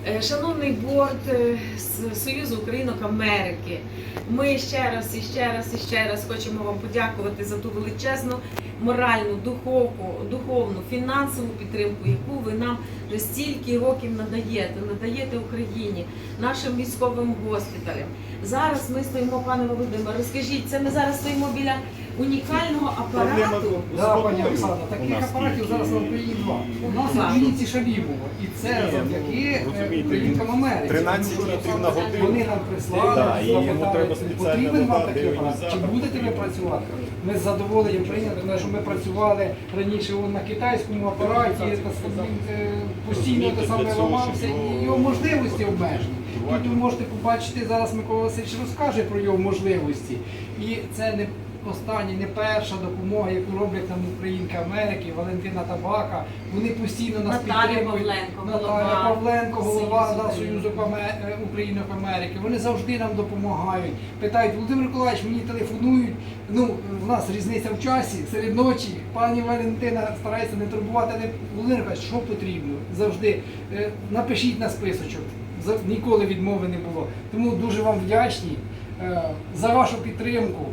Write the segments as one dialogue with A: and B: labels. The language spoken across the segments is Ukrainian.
A: Шановний борд з Союзу Українок Америки, ми ще раз хочемо вам подякувати за ту величезну моральну, духовну, фінансову підтримку, яку ви нам вже стільки років надаєте Україні, нашим військовим госпіталям. Зараз ми стоїмо, пане Володимире, розкажіть, це ми зараз стоїмо біля унікального апарату?
B: Так, пані Оксана, таких апаратів зараз на Україні два. У нас в Вінниці Шалімова, і це завдяки Українкам Америки.
C: 13 літрів на годину.
B: Вони нам прислали, запитали, потрібен вам такий апарат, чи будете ви працювати? Ми з задоволенням прийняли, тому що ми працювали раніше на китайському апараті, постійно те саме ламався, і його можливості обмежені. Тут ви можете побачити, зараз Микола Васильович розкаже про його можливості. І це не остання, не перша допомога, яку роблять нам Українки Америки, Валентина Табака. Вони постійно нас підтримують. Наталя Павленко, голова Союзу Українок Америки. Вони завжди нам допомагають. Питають: Володимир Миколаївич, мені телефонують, в нас різниця в часі, серед ночі. Пані Валентина старається не турбувати, але Володимир Миколаївич, що потрібно? Завжди напишіть на списочок. Ніколи відмови не було. Тому дуже вам вдячні за вашу підтримку.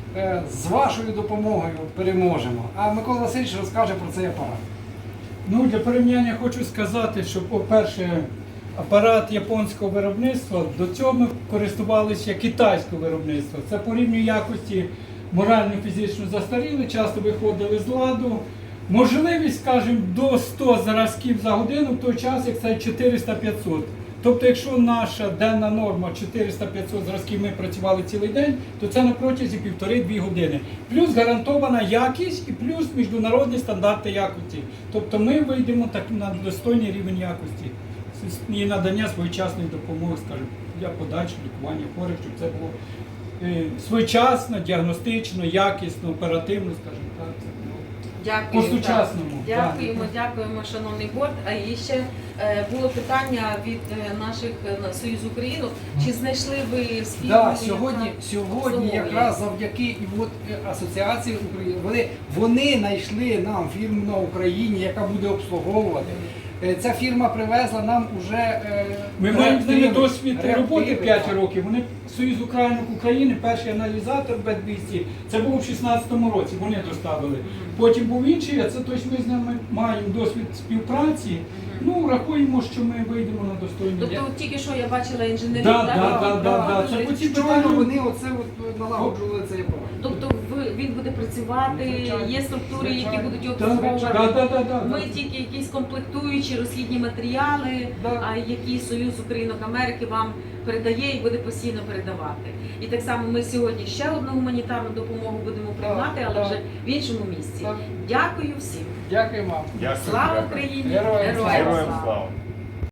B: З вашою допомогою переможемо. А Микола Васильович розкаже про цей апарат.
D: Для порівняння хочу сказати, що, по-перше, апарат японського виробництва, до цього ми користувалися китайського виробництва. Це по рівню якості морально-фізично застаріли, часто виходили з ладу. Можливість, скажімо, до 100 зразків за годину, в той час, як це 400-500. Тобто, якщо наша денна норма 400-500 зразків, ми працювали цілий день, то це на протязі 1,5-2 години. Плюс гарантована якість і плюс міжнародні стандарти якості. Тобто ми вийдемо так на достойний рівень якості і надання своєчасної допомоги, скажімо, для подальшого лікування хворих, щоб це було своєчасно, діагностично, якісно, оперативно, скажімо так. По-сучасному.
A: Дякуємо, шановний борд. А і ще було питання від наших Союзу Українок. Чи знайшли ви спільну?
B: Так, сьогодні якраз завдяки Асоціації України, вони знайшли нам фірму на Україні, яка буде обслуговувати. Ця фірма привезла нам уже...
D: Ми маємо з ними досвід роботи 5 років. Вони Союз Українок України, перший аналізатор Б200, це було в 2016 році, вони доставили. Потім був інший, а це тобто ми з ними маємо досвід співпраці. Рахуємо, що ми вийдемо на достойний рівень.
A: Тобто тільки що я бачила інженерів,
D: так?
B: Це по ці питання вони налагоджували цей апарат.
A: Тобто він буде працювати, є структури, які будуть обслуговувати. Ми тільки якісь комплектуючі, розхідні матеріали, а які Союз Українок Америки вам передає і буде постійно передавати. І так само ми сьогодні ще одну гуманітарну допомогу будемо приймати, але вже в іншому місці. Дякую всім.
B: Дякую вам.
A: Слава Україні!
C: Героям слава!